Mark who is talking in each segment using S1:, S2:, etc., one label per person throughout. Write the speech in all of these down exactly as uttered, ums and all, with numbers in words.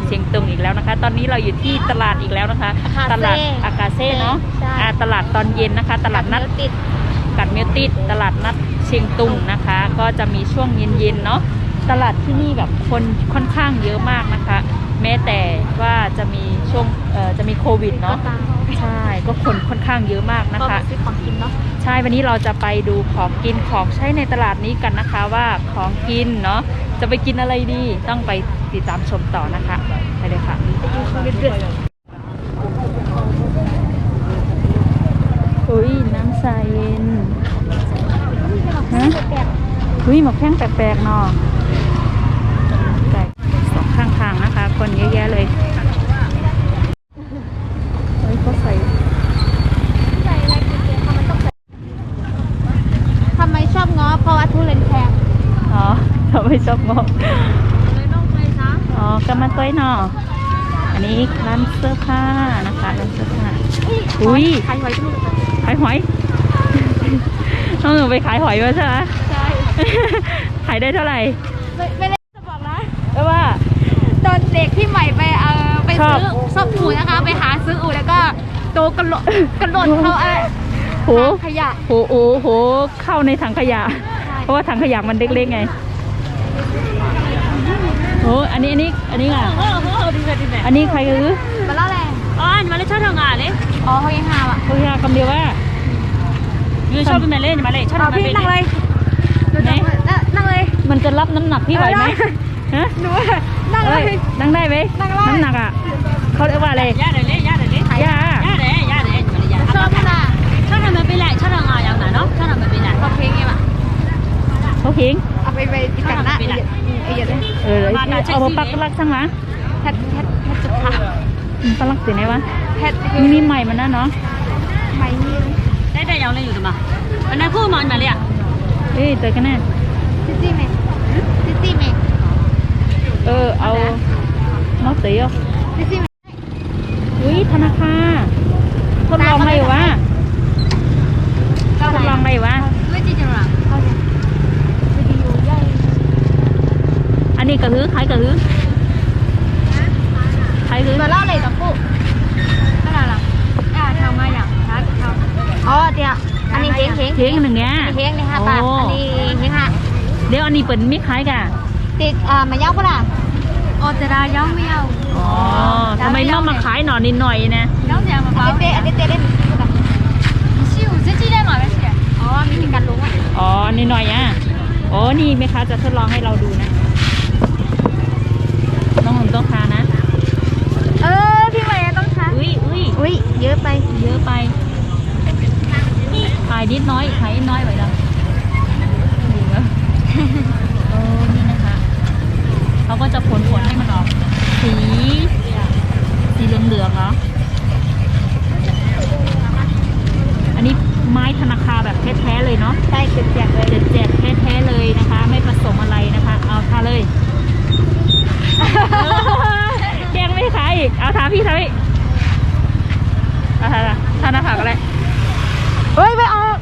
S1: เชียงตุงอีกแล้วนะคะ ตอนนี้เราอยู่ที่ตลาดอีกแล้วนะคะตลาดอากาเซ่เนาะตลาดตอนเย็นนะคะ ตลาดนัดกัดเมียวติดตลาดนัดเชียงตุงนะคะ ก็จะมีช่วงเย็นๆเนาะตลาดที่นี่แบบคนค่อนข้างเยอะมากนะคะแม้แต่ว่าจะมีช่วงเอ่อจะมีโควิดเนาะใช่ก็คนค่อนข้างเยอะมากนะคะ
S2: ซื้อของกินเนาะ
S1: ใช่วันนี้เราจะไปดูของกินของใช้ในตลาดนี้กันนะคะว่าของกินเนาะจะไปกินอะไรดีต้องไปติดตามชมต่อนะคะไปเลยค่ะอุ้ยน้ำใสเย็นฮะอุ้ยหมกแข้งแปลกๆเนาะแปลกสองข้างทางนะคะคนเยอะแยะเลยเฮ้ยเขาใส่
S2: ใส่อะไรกินเองทำไมต้องใส่ทำไมชอบง้อเพราะว่าทุเรียนแพง
S1: อ๋อเขาไม่ชอบงบ
S2: เลยต้องไปซะ
S1: อ๋อกำมาต้อยเนาะอันนี้ร้านเสื้อผ้านะคะร้านเสื้อผ้าอุ้ย
S2: ขายหอยทุกคน
S1: ขายหอยน้องหนูไปขายหอยมาใช่ไหม
S2: ใช่
S1: ขายได้เท่าไหร่
S2: ไม่ไม่ได้จะบอกนะ
S1: เพราะว่า
S2: ตอนเด็กที่ใหม่ไปเออไปซื้อซอบอูนะคะไปหาซื้ออูแล้วก็โตกระโดดกระโดดเข้าอะไร
S1: โห
S2: ขยะ
S1: โหโอ้โหเข้าในถังขยะเพราะว่าถังขยะมันเล็กๆไงโอ้อันนี้อันนี้อันนี้อ่ะอันนี้ใครคือ
S2: มาเล่าแรง
S3: อ๋ออันมาเลยชอบทำงานเลย
S2: อ๋อเขายังหาอ่ะ
S1: เขายังคำเดียวว่า
S3: ยืนชอบเป็นแม่เล่นมาเลยชอบทำงาน
S2: พี่นั่งเลยนั่งเลย
S1: มันจะรับน้ำหนักพี่ไหวไหมฮะ
S2: หนูนั่งเลย
S1: นั่งได้ไหมน้ำหนักอ่ะเขาเรียกว่าอะไร
S3: ย่าเดี๋ยวเลยย่าเดี๋ยวเลย
S1: ย่า
S3: ย่าเดี๋ยวย่าเดี๋ยวย่า
S2: ชอบขนาด
S3: ชอบทำมาเป็นแหละชอบทำงานอย่างนั้นเนาะชอบทำมาเป็นแหละ
S2: เขาเพลงไงวะ
S1: เขาเพลง
S2: เอาไปไปติดกันนะไอ้เหี้ยเลย
S1: เออเอาไปปักลักสั่งมา
S2: แพทแพทแพทจุดขา
S1: ปักลักสีไหนวะ
S2: แพท
S1: มีมีใหม่มันนะเนาะ
S2: ใหม่นี่
S3: ได้แต่ยังเลยอยู่ตัวมาอันนั้นคู่มันมาเลยอ่ะ
S1: เอ้ยเจอกันแน่
S2: ซิซี่เมย์ซิซี่เมย์
S1: เออเอาน้องเตี๋ยว
S2: ซิซี่เมย์
S1: อุ้ยธนาคารทดลองไหมวะทดลองไหมวะ
S2: ไม่จริงจังหรอเขาจะวิดีโอใหญ่
S1: อันนี้กระหือขายกระหือขายกระหือ
S2: มาเล่าเลยต่อปุ๊บอะไรล่ะอ่าทำมาอย่างชัดทำอ๋อเดี๋ยวอันนี้เฮงเฮง
S1: เฮงหนึ่งเนี้ย
S2: เฮงเลยค่ะตาอันนี้เฮงค่ะ
S1: เดี๋ยวอันนี้เปิดมิขายกัน
S2: ติดอ่ามาเย้าปะล่ะอ๋อจะได้เย้าไม่เย้า
S1: อ๋อทำไมน้องมาขายหน่อนิดหน่อยนะ
S2: น้องจะมาเปล่าอันนี้เตะอันนี้เตะได้ชิวจะจี้ได้หมดไหมเสียอ๋อมีการลุ้งอ่ะ
S1: อ๋อนิดหน่อยอ่ะอ๋อนี่แม่ค้าจะทดลองให้เราดูนะน้องหนุ่มต้องทานนะ
S2: เออพี่ใหม่ต้องทาน
S1: อุ้ยอุ้ย
S2: อุ้ยเยอะไป
S1: เยอะไปขายนิดน้อยขายนิดน้อยไปแล้วโอ้นี่นะคะเขาก็จะผลผลให้มันออกสีสีเหลืองๆเนาะอันนี้ไม้ธนาคารแบบแท้ๆเลยเนาะ
S2: ใช่เจ็ดแจกเลย
S1: เจ็ดแจกแท้ๆเลยนะคะไม่ผสมอะไรนะคะเอาทาเลยแกงไม่ขายอีกเอาทาพี่ทาพี่เอาทาทาหน้าผากอะไร
S2: เฮ้ยไม่ออก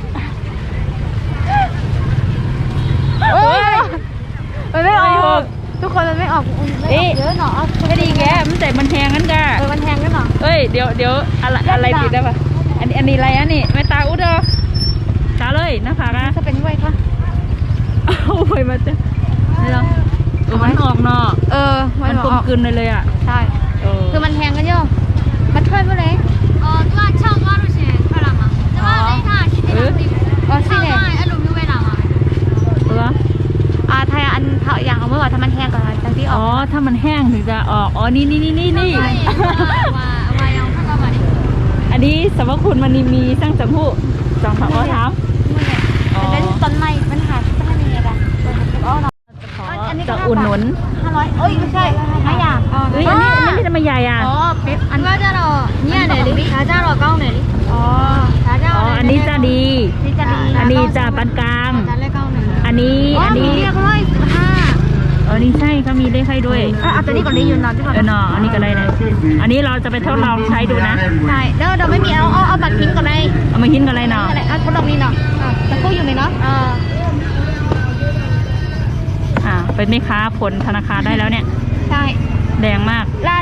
S2: เฮ้ยมันไม่ออกทุกคนมันไม่ออกเอ๊ะเยอะหนอ
S1: ไม่ดีแกมันแต่มันแทงกันแก
S2: เออมันแทงกันหนอ
S1: เอ้ยเดี๋ยวเดี๋ยวอะไรอะไรติดได้ปะอันนี้อันนี้อะไรอันนี้ไม่ตาอุดอตาเลยหน้าผากนะ
S2: จะเป็นไว้ค่ะ
S1: เอาไปมาจ้ะนี่เหรอเออมันออกเนาะ
S2: เออ
S1: มันกลมกลืนเลยเลยอ่ะ
S2: ใช่คือมันแทงกันเยอะมันช่วยเมื่อไรอ๋อตัวช่างว่ารู้สึกเท่าไหร่มาแต่ว่าในท่าคิดได้ดีอ๋อสิเนี่ยอารมณ์ยูเวลามา
S1: ตัว
S2: อ่าไทยอันเท่าอย่างเอาเมื่อวานถ้ามันแห้งก่อนจังที่ออก
S1: อ๋อถ้ามันแห้งถึงจะออกอ๋อนี่นี่นี่นี่นี่
S2: ว่าว่ายังขั้นตอนมาดิ
S1: อันนี้สมมติคุณมันมีสร้างจำพูจองผักอ้อถาม
S2: มันเป็นต้นไม้มันหาต้นไม้ยังไงล่ะอ๋อ
S1: อันนี้จะอุ่นหนุน
S2: ห้าร้อยเอ้ยไม่ใช่ห้าอย่าง
S1: เอ้ยอันนี้อันนี้ไม่ทำไมใหญ่อ่ะ
S2: อ๋อเป็ดอันว่าจะรอเนี่ยเดี๋ยวดิช้าจะรอเก้าหน่อยดิอ๋อช้าจะ
S1: อ๋ออันนี้จะดี
S2: นี่จะดี
S1: อันนี้จะปานกลางอันนี้อันนี้
S2: เรียกร้อยสิบห้า
S1: เออนี่ใช่เขามีเลขให้ด้วย
S2: เอาตัวนี้ก่อนได้ยืนนอนที่ก่อน
S1: เออเนาะอันนี้ก็ได้เลยอันนี้เราจะไปทดลองใช้ดูนะ
S2: ใช่เดี๋ยวเราไม่มีเอาเอาเอาบัตรพิมพ์ก่อนเลย
S1: เอามาหินกันเลยเนาะ
S2: เอาทดลองนี่เนาะจะกู้อยู่ไหมเนาะ
S1: อ่าเป็นแม่ค้าผลธนาคารได้แล้วเนี่ย
S2: ใช่
S1: แดงมาก
S2: ร้าน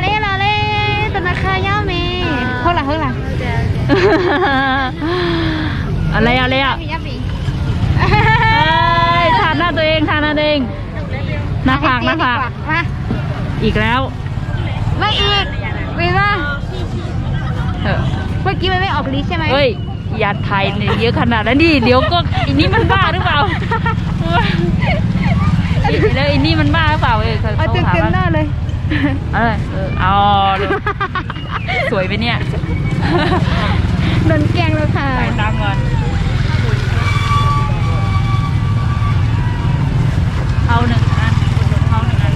S1: อะไรอะไรอ่ะ
S2: มียับปี
S1: เอ้ยทานหน้าตัวเองทานหน้าตัวเองหน้าผากหน้าผาก
S2: มา
S1: อีกแล้ว
S2: ไม่อีกวีว่า
S1: เออ
S2: เมื่อกี้มันไม่ออกลิสใช่ไหม
S1: เฮ้ยอย่าไทยเนี่ยเยอะขนาดนั้นดิเดี๋ยวก็อันนี้มันบ้าหรือเปล่าแล้วอันนี้มันบ้าหรือเปล่าเออเขา
S2: เอาเต็ม
S1: ถาม
S2: เต็ม
S1: ว่า
S2: หน้าเลย
S1: เออเออเอาเลยสวยไหมเนี่ย
S2: โดนแกล้งแล้วค่ะ
S1: ใส่ตามก่อนเอาหนึ่งอันเอาหนึ่งอัน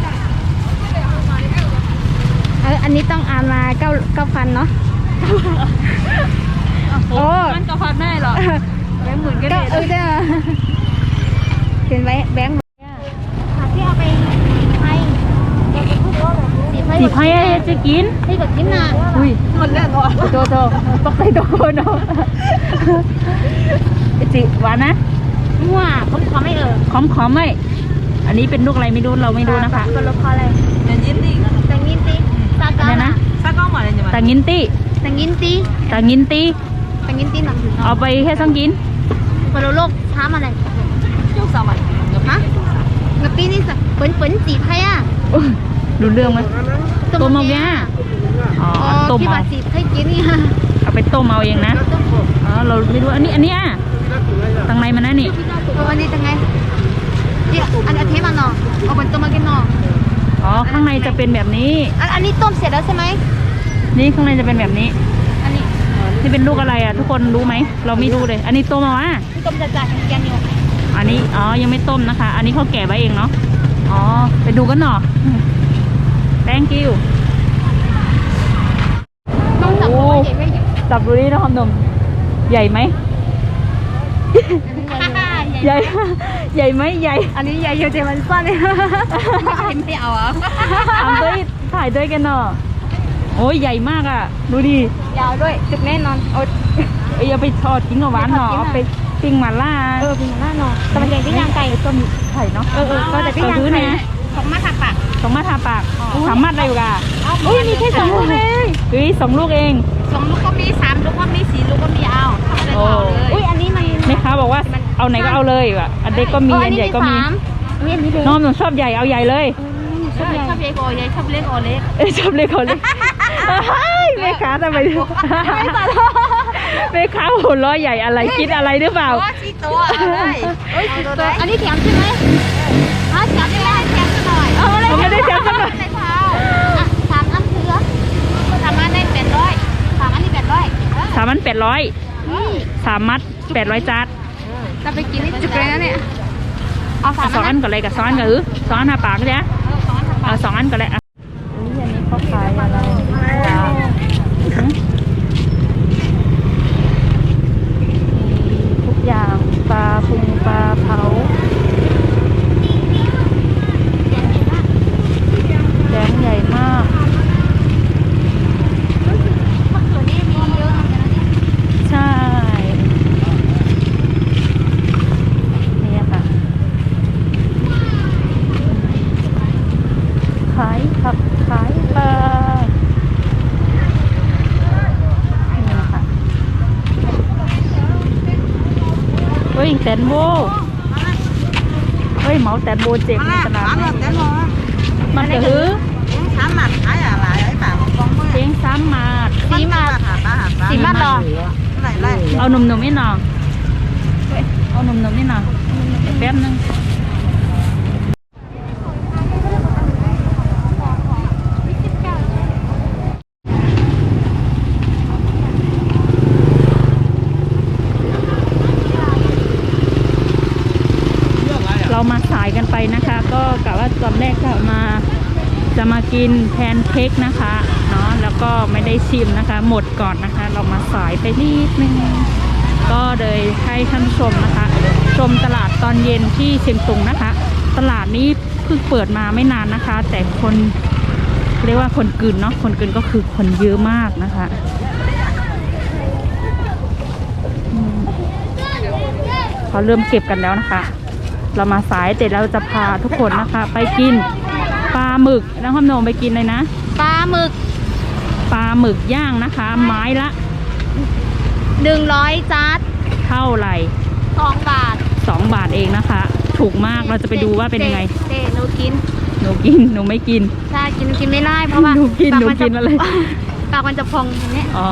S2: เอออันนี้ต้องอ่านมาเก้าเก้าพันเนาะ
S1: โอ้มันก็พันได้หรอแบงค์หมื่นก็
S2: ก็
S1: ได้
S2: เออได้เห็นไหมแบงค์ที่เอาไปให้
S1: สีไพ่จะกิน
S2: ให้กับกินน่ะ
S1: อุ้ยหมดแล้วโตโตตกใจโตเนาะจิหวานนะ
S2: มั่วผมขอไม่เออ
S1: ขอมขอมไหมอันนี้เป็นลูกอะไรไม่รู้เราไม่รู้นะคะ
S2: ก็ลบพอเลย
S3: แต่ยิ้มดิ
S2: แต่งินตีตา
S1: อัน
S2: กา
S1: นี้นะ
S3: ซากล้องมาเลยจ้ะ
S1: ตางินตี้
S2: แต่งินตี
S1: ตางินตี้
S2: แต่งินตีหนัง
S1: เอาไปแค่สองกิน
S2: คนโลกช้ามาเลย
S3: ยกสามวัน
S2: ฮะกับปีนี่สิเปิ่นเปิ่นจีไพ่อ่ะ
S1: อุ๊ยรู้เรื่องไหมต้มเอาแกอ๋อ
S2: อ๋อ
S1: ต้ม
S2: ที่
S1: เอา
S2: บาจีไพ่กินนี่ฮะ
S1: เอาไปต้มเอาเองนะอ๋อเราไม่รู้อันนี้อันนี้อ่ะตังในมันนะนี่
S2: วันนี้จะไงที่อันอันเทมาเนาะเอาบนตัวมากินเนาะ
S1: อ๋อข้างในจะเป็นแบบนี้
S2: อันอันนี้ต้มเสร็จแล้วใช่ไหม
S1: นี่ข้างในจะเป็นแบบนี้
S2: อันนี้
S1: นี่เป็นลูกอะไรอ่ะทุกคนรู้ไหมเราไม่รู้เลย อันนี้ต้มเอาอ่ะ
S2: ที่ต้มจะจ่ายแกงอยู่
S1: อันนี้อ๋อยังไม่ต้มนะคะ อันนี้เขาแกะไว้เองเนาะอ๋อไปดูกันหน่อ thank you
S2: ต้องจับตัวใหญ่ไม่ใหญ่
S1: จับดูนี่นะครับหนุ่มใหญ่ไหมใหญ่ ใหญ่ไหมใหญ่
S2: อันนี้ใหญ่เยอะแต่มันสั้นเลยไม่เอาอ่ะ
S1: ทำด้วยถ่ายด้วยกันเนาะโอ้ยใหญ่มากอ่ะดูดิ
S2: ยาวด้วยจุกแน่นอนโอ้
S1: เอ้ยเอาไปทอดกินกับหวานเนาะเอาไปปิ้งหม่าล่า
S2: เออเป็นหน้านอนแต่มันใหญ่ที่ยางไก่
S1: ต้มไข่เนาะ
S2: เออเออก็แต่ที่ยาง
S1: ซื้อ
S2: ไก่
S1: เนี่ย
S2: ของมาถักปาก
S1: สองมาทาปากสามมัดอะไรอยู่กะ
S2: อุ้ยมีแค่สองลูกเลย
S1: เฮ้ยสองลูกเอง
S2: สองลูกก็มีสามลูกก็มีสี่ลูกก็มีเอาทำอะไรก็เอาเลยอุ้ยอันนี้มัน
S1: แม่ค้าบอกว่าเอาไหนก็เอาเลยว่ะอันเล็กก็มีอันใหญ่ก็มี
S2: อุ้ยอันนี้เลย
S1: น้องหนูชอบใหญ่เอาใหญ่เลย
S2: ชอบใหญ่ชอบใหญ่กว่าใหญ่ชอบเล็กกว่าเล็ก
S1: เอ้ยชอบเล็กคนเล็กเฮ้ยแม่ค้าทำไมแม่ค้าหัวล้อใหญ่อะไรคิดอะไรหรือเปล่า
S2: สี่ตัวเลยเอ้ยสี่ตัวอันนี้แถมใช่ไหมฮะแถมใช่ไหมแถมหน่อย
S1: เอาอะไรไม่ได้แถมสักหน่อย
S2: ในเท้าสามอันเถือสามอันได้แปดร้อยสามอันนี้แปดร้อย
S1: สามมัดแปดร้อยสามมัดแปดร้อยจาน
S2: จะไปกินนี่จุกเลยนะเนี่ยเอาสาม
S1: สอง
S2: อั
S1: อั
S2: น
S1: นก่อนเลยกับสองอันกับอือสองอันหาปากจ้ะ
S2: สองอันทำ
S1: เอาสองอันก่อนเลยอ่ะนี่อันนี้เขาขายอะไรทุกอย่างปลาพุงปลาเผาแดงใหญ่มาก
S2: มะเขือนี่มีเยอะเหมือนกันนะเนี่ย
S1: ใช่นี่ค่ะขายผักขายปลานี่ค่ะเฮ้ยแตนโบเฮ้ยเหมาแตนโบเจ๋งในตลาดนี่มันจะหือ
S3: sám mặt thái à lại ấy bà một con mới
S1: เจ๋งสามมาด
S2: สีมา
S3: hả bà hả bà
S2: สีมาต่อ
S3: này này
S1: เอาหนุ่มๆนี่หน่อยเอาหนุ่มๆนี่หน่อยแป๊บนึงเรามาสายกันไปนะคะ ก็กะว่าตอนแรกก็มาจะมากินแพนเค้กนะคะเนาะแล้วก็ไม่ได้ชิมนะคะ หมดก่อนนะคะ เรามาสายไปนิดนึงก็เลยให้ท่านผู้ชมนะคะ ชมตลาดตอนเย็นที่เชียงตุงนะคะ ตลาดนี้เพิ่งเปิดมาไม่นานนะคะ แต่คนเรียกว่าคนกลืนเนาะคนกลืนก็คือคนเยอะมากนะคะอืมเขาเริ่มเก็บกันแล้วนะคะ เรามาสายแต่เราจะพาทุกคนนะคะ ไปกินปลาหมึกแล้วข้ามโนมไปกินเลยนะ
S2: ปลาหมึก
S1: ปลาหมึกย่างนะคะ ไม้ละ
S2: หนึ่งร้อยจาร์ด
S1: เท่าไหร่
S2: สองบาท
S1: สองบาทเองนะคะ ถูกมากเราจะไปดูว่าเป็นยังไง
S2: เต้หนูกิน
S1: หนูกินหนูไม่กิน
S2: ใช่กินหนูกินไม่ได้เพราะว่า
S1: หนูกิน
S2: ปา
S1: หนู
S2: มัจะ
S1: กินอะไร
S2: ปากมันจะพองอย่างเนี้ย
S1: อ๋อ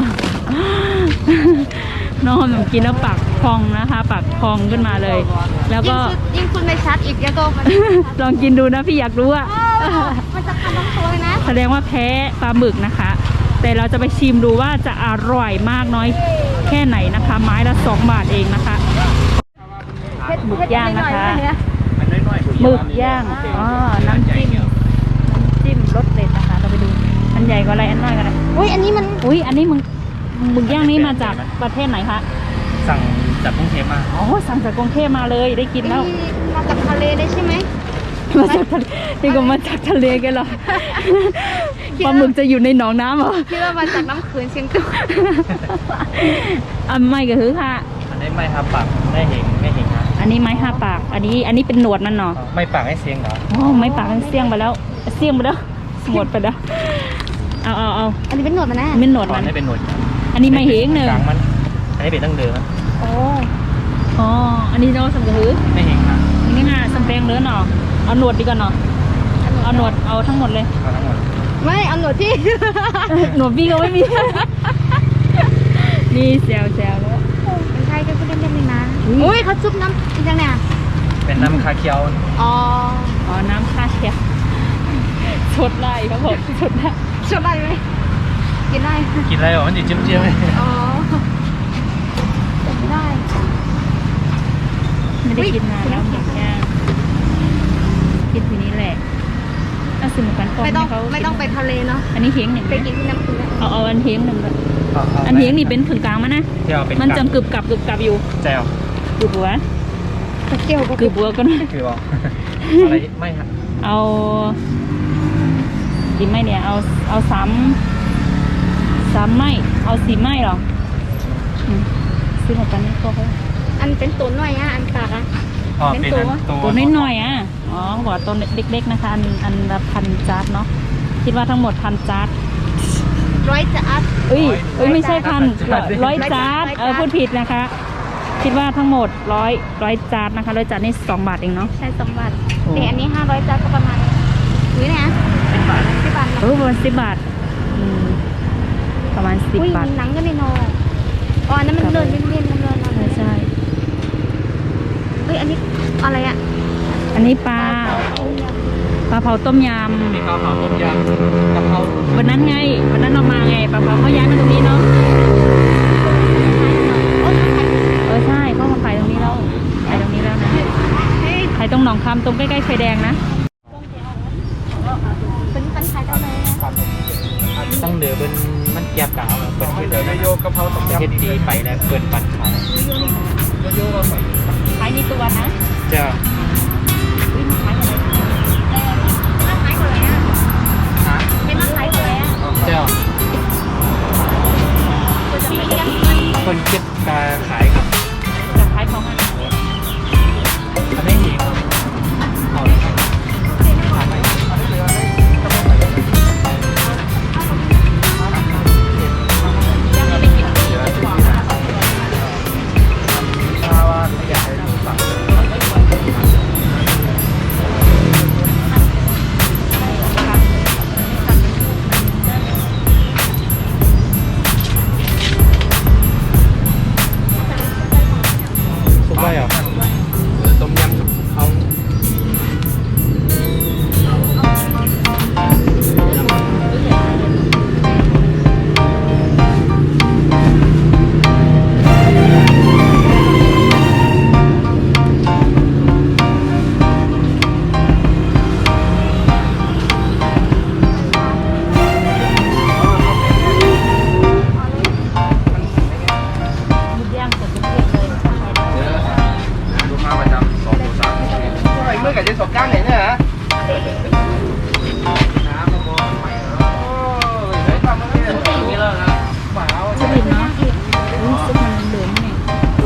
S1: น้องหนูกินแล้วปากพองนะคะ ปากพองขึ้นมาเลย แล้ว
S2: ยิ่
S1: ก็
S2: งสุดยิ่งคุณไม่ชัดอีกแล้วก็มัน
S1: ลองกินดูนะพี่อยากรู้อะ
S2: มันจะทำน้ำตัวเลยนะ
S1: แสดงว่าแพ้ปลาหมึกนะคะ แต่เราจะไปชิมดูว่าจะอร่อยมากน้อยแค่ไหนนะคะ ไม้ละสองบาทเองนะคะ หมึกย่างนะคะ หมึกย่าง อ๋อ น้ำจิ้ม น้ำจิ้มรสเด็ดนะคะ เราไปดู อันใหญ่กว่าอะไร อันน้อยกว่าอะไร
S2: อุ้ยอันนี้มัน
S1: อุ้ย อันนี้มึงหมึกย่างนี้มาจากประเทศไหนคะ
S4: สั่งจากกรุงเทพมา
S1: อ๋อ สั่งจากกรุงเทพมาเลยได้กินแล้ว
S2: มาจากทะเลได้ใช่ไหม
S1: มาจากทะเลนี่ก็มาจากทะเลกันเหรอ ปลาหมึกจะอยู่ในหนองน้ำเหรอ
S2: คิดว่ามาจากน้ำขืนเชียงตุง
S1: อ่ะไม่ก็คือค่ะ
S4: อันนี้ไม่ครับปากได้เห็นไม่เห็นครับ
S1: อันนี้ไม้ห้าปาก อันนี้ อันนี้เป็นหนวดมันเนาะ
S4: ไม่ปากให้เสียงเหรอ
S1: อ๋อไม้ปากมันเสี่ยงไปแล้ว เสี่ยงไปแล้ว หมดไปแล้ว เอาเอาเอา
S2: อันนี้เป็นหนวดมันนะ
S1: เป็นหนวด
S4: ก่อ
S1: มัน น
S4: ให้เป็นหนวด
S1: อันนี้ไม่เหงหนึ่ง
S4: กลางมันอันนี้เป็นตั้งเดิม
S1: โอ้อ๋อ อันนี้เราสังกะหือ
S4: ไม่เห็นครับ
S1: อันนี้น่าสำแปลงเนื้อเนาะ เอาหนวดดีกว่าเนาะ เอาหนวด เอาทั้งหมดเลย
S4: เอาทั้งหมด
S2: ไม่เอาหนวดที่
S1: หนวดพี่ก็ไม่มี นี่แซวแซวแล้ว
S2: เป็นใครก็พูดเล่นๆเลยนะ
S1: อุ๊ย
S2: อุ้ยเขาซุปน้ำอีกแล้วเนี่ย
S4: เป็นน้ำคาเคียว
S2: อ๋อ
S1: อ๋อ น้ำคาเคียวชดไล่ครับผมชดไล่
S2: ชอบได้ไหมกินได้
S4: กินอะไรหรอมันจะเจี๊ยบเจี๊ยบเลย
S2: อ๋อกินได้
S1: ไม่ได้กินนานแล้วหมึกย่างกินทีนี้แหละน่าสนุกกันฟอง
S2: ไม่ต้อง
S1: ให้เขา
S2: ไม่ต้องไปทะเลเนาะ
S1: อันนี้เฮียงหนึ่ง
S2: ไปกินที่น้ำขืนนะ
S1: เอาเอาอันเฮียงหนึ่งก่อน
S4: เอาเอา
S1: อันเฮียงนี่เป็นผึ่งกลางมั้ยนะ
S4: เที่ยวเป็น
S1: มันจำกึบกับกึบกับอยู่
S4: แจว
S1: กึบบัว
S2: ตะเกียว
S1: กึบบัวก็นะ
S4: คือบอกอะไรไม่ครับ
S1: เอากี่ไม้เนี่ย เอาเอาสามสามไม้เอาสี่ไม้หรออืมซื้อมาปันนี่ก็เขา
S2: อันเป็นตัวหน่อยอ่ะอันปากอ่ะ
S4: อ๋อเป็นอันตัว
S1: ตัวน้อยๆอ่ะ อ๋อเขาบอกว่าตัวเล็กๆนะคะ อันอันละพันจาร์ดเนาะ คิดว่าทั้งหมดพันจาร์ด
S2: ร้อยจะอัด
S1: เอ้ยเอ้ยไม่ใช่พันร้อยจาร์ดเออพูดผิดนะคะ คิดว่าทั้งหมดร้อยร้อยจาร์ดนะคะร้อยจาร์ดนี่สองบาทเองเนาะ
S2: ใช่สองบาทแต่อันนี้ห้าร้อยจานก็ประมาณอุ้ยเนี่ย
S4: สิบบาท
S2: สิบบาท
S1: เออประมาณสิบบาทอืมประมาณสิบ
S2: อุ้ย
S1: บาท
S2: หนังก็ในนออ๋ออันนั้นมันเดินเล่นเล่นมันเดิน
S1: ใช่ใช่
S2: เฮ้ยอันนี้อะไรอ่ะ
S1: อันนี้ปลาปลาเผาต้มย
S4: มีข้าวหอมต้มยำกะเพรา
S1: ำวันนั้นไงวันนั้นเรามาไงปลาเผาเขาย้ายมาตรงนี้เนาะเออใช่เขามาขายตรงนี้แล้วขายตรงนี้แล้วนะขายตรงหนองคำตรงใกล้ๆไฟแดงนะ
S2: เป็นคันขายได้เลย
S4: ตั้งเดือเป็นมันแยบกาวเป็นเดือโยกกะเพราต้มยำเฮ็ดดีไปแล้วเปิดปันขาย
S1: ขายในตัวนะ
S4: จ้า
S1: อุ้ยมาขายอะไร
S2: มาขายคนเลยอ่ะ
S4: ฮะ
S2: ไม่มาขายคนเลยอ่ะ
S4: เจ้า
S2: มีเลี้ยง
S4: คนเก็บกาขายครับ
S1: จะขายของอะไร
S4: อันนี้หีครับเอาเลยครับทำไปถ้าว่าอยากให้ดูสั่งซุปได้เหรอต้มยำเอา
S1: มุดย่างกับทุกเรื่องเลย
S5: ลูกค้าประจำสองตัวสามไอ้เมื่อกับเจ๊สองก้างเนี่ยเนี่ยฮะน้ำมะม่วงไม่เหรอเฮ้ยทำมาเนี่ยอย่างนี้แล้วนะหมาเอา
S1: จะดิบเนาะอุ้ยซุปมันเหลืองนี่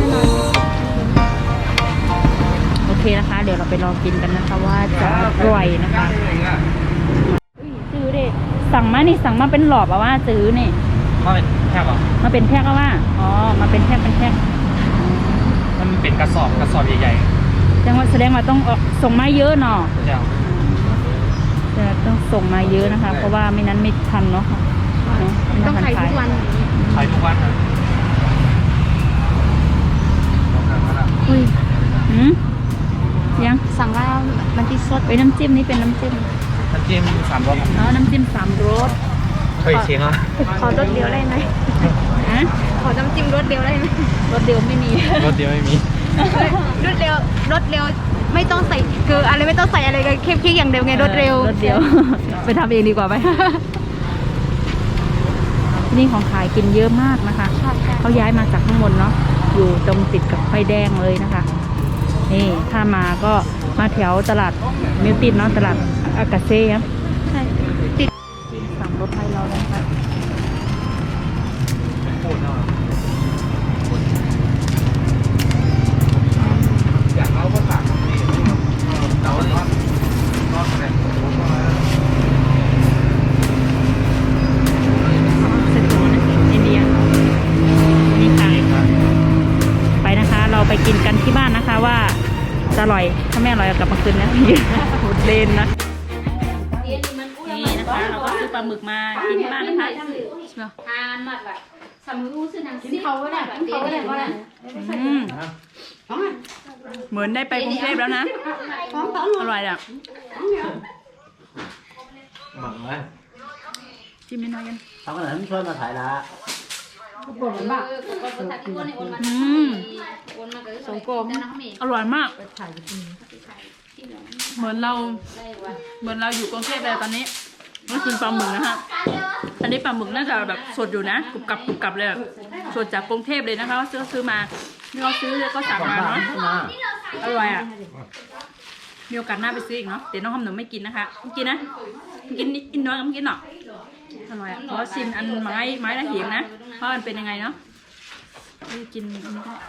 S1: โอเคนะคะ เดี๋ยวเราไปลองกินกันนะคะว่าจะอร่อยนะคะ
S5: เองอ่ะ
S1: อุ้ยซื้อดิสั่งมานี่สั่งมาเป็นหลอบอะว่าซื้อนี่
S4: มาเป็นแพ็คเหรอ
S1: มาเป็นแพ็คก็ว่าอ๋อมาเป็นแพ็คเป็นแพ็ค
S4: มันเป็นกระสอบกระสอบใหญ่
S1: แสดงว่าแสดงว่าต้องออกส่งมาเยอะเนาะ
S4: ๆเจ้า
S1: จะต้องส่งมาเยอะนะคะ เพราะว่าไม่นั้นไม่ทันเนาะค่ะเนอะไม่
S2: ต้อง
S1: ทั
S2: ขายทุกวัน
S4: ขายทุกวันครับ
S1: อุ้ยหืมยัง
S2: สั่งแล้วมันที่สด
S1: ไปน้ำจิ้มนี่เป็นน้ำจิ้ม
S4: น้ำจิ้มสามรส
S1: อ๋อน้ำจิ้มสามรส
S4: เคยชิมอ่ะ
S2: ขอรสเดียวได้ไหม
S1: ฮะ
S2: ขอน้ำจิ้มรสเดียวได้ไหม
S1: รสเดียวไม่มี
S4: รสเดียวไม่มี
S2: รสเร็วรสเร็วไม่ต้องใส่คืออะไรไม่ต้องใส่อะไรกันแค่แค่อย่างเดียวไงรสเร็ว
S1: รสเดียว ไปทำเองดีกว่าไหม ที่นี่ของขายกินเยอะมากนะคะ เขาย้ายมาจากข้างบนเนาะ อยู่ตรงติดกับไฟแดงเลยนะคะ นี่ถ้ามาก็มาแถวตลาดมิวตินเนาะ ตลาดอากาเซ่ครับ
S2: ใช่ติด
S1: สามรถไทยเราเลยค่ะ
S4: โคตรเนาะ
S5: อยากเอาภาษานี่เราเลยนอนไหน
S1: เสร็จแล้วนะอินเดียนี่ค่ะไปนะคะ เราไปกินกันที่บ้านนะคะว่าจะอร่อยถ้าไม่อร่อยเอากลับมาคืนนะ หมดเลนนะนี่นะคะเราก็ซื้อปลาหมึกมากินที่บ้านนะคะ
S2: กินเขาก็ได้กินเขาก็ได้ก็ได้
S1: อืมเหมือนได้ไปกรุงเทพแล้วนะอร่อยอ่ะ
S5: หมักไหม
S1: ชิมนิดหน่อยกัน
S5: ทำขนาดนั้นช่วยมาถ่ายละ
S1: อืมสงกรมอร่อยมาก เหมือนเราเหมือนเราอยู่กรุงเทพเลยตอนนี้นี่คือปลาหมึกนะฮะอันนี้ปลาหมึกน่าจะแบบสดอยู่นะกรุบกรับกรุบกรับเลยแบบสดจากกรุงเทพเลยนะคะซื้อซื้อมาที่เราซื้อก็สั่งมาเนาะอร่อยอ่ะมีโอกาสหน้าไปซื้ออีกเนาะเดี๋ยวน้องคำหนูไม่กินนะคะไม่กินนะไม่กินนิดกินน้อยก็ไม่กินหรอกอร่อยอ่ะเพราะว่าชิมอันไม้ไม้ละเหียงนะเพราะมันเป็นยังไงเนาะนี่กินอันนี้ก็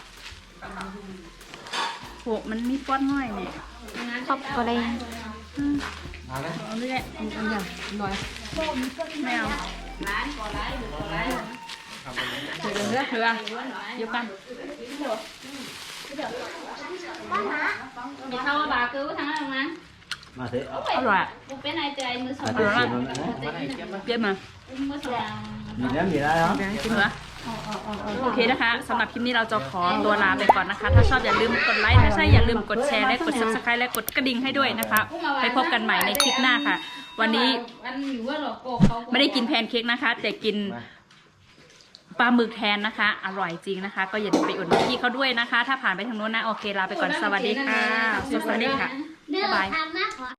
S1: โหมันมีป้อนง่อยเนี่ย
S2: ชอบอะไร
S5: เอาเลย
S1: เอาเลยแหละเอาอย่างน้อยไม่เอาเถื่อนเถื่อนเถื่อนเดี๋ยวกัน
S6: Vậy thôi bà cứu thằng đó không anh?
S5: มาเถอะ
S1: อร่อยอ่ะ
S6: Một cái này trời mưa
S5: มา
S6: sầu
S5: เถอะ
S6: rồi.
S1: เยี่ยมมา
S6: Mưa sầu là
S5: มีน้ำมีอะไรเหรอ
S1: กินเหรอโอเคนะคะสำหรับคลิปนี้เราจะขอตัวลาไปก่อนนะคะ ถ้าชอบอย่าลืมกดไลค์ถ้าใช่อย่าลืมกดแชร์และกด ซับสไครบ์ และกดกระดิ่งให้ด้วยนะคะ ไปพบกันใหม่ในคลิปหน้าค่ะ วันนี้
S6: anh nhiều quá rồi cô không
S1: ไม่ได้กินแพนเค้กนะคะ แต่กินปลาหมึกแทนนะคะ อร่อยจริงนะคะ ก็อย่าลืมไปอุดหนุนพี่เขาด้วยนะคะ ถ้าผ่านไปทางโน้นนะโอเคลาไปก่อนสวัสดีค่ะสวัสดีค่ะบ๊ายบาย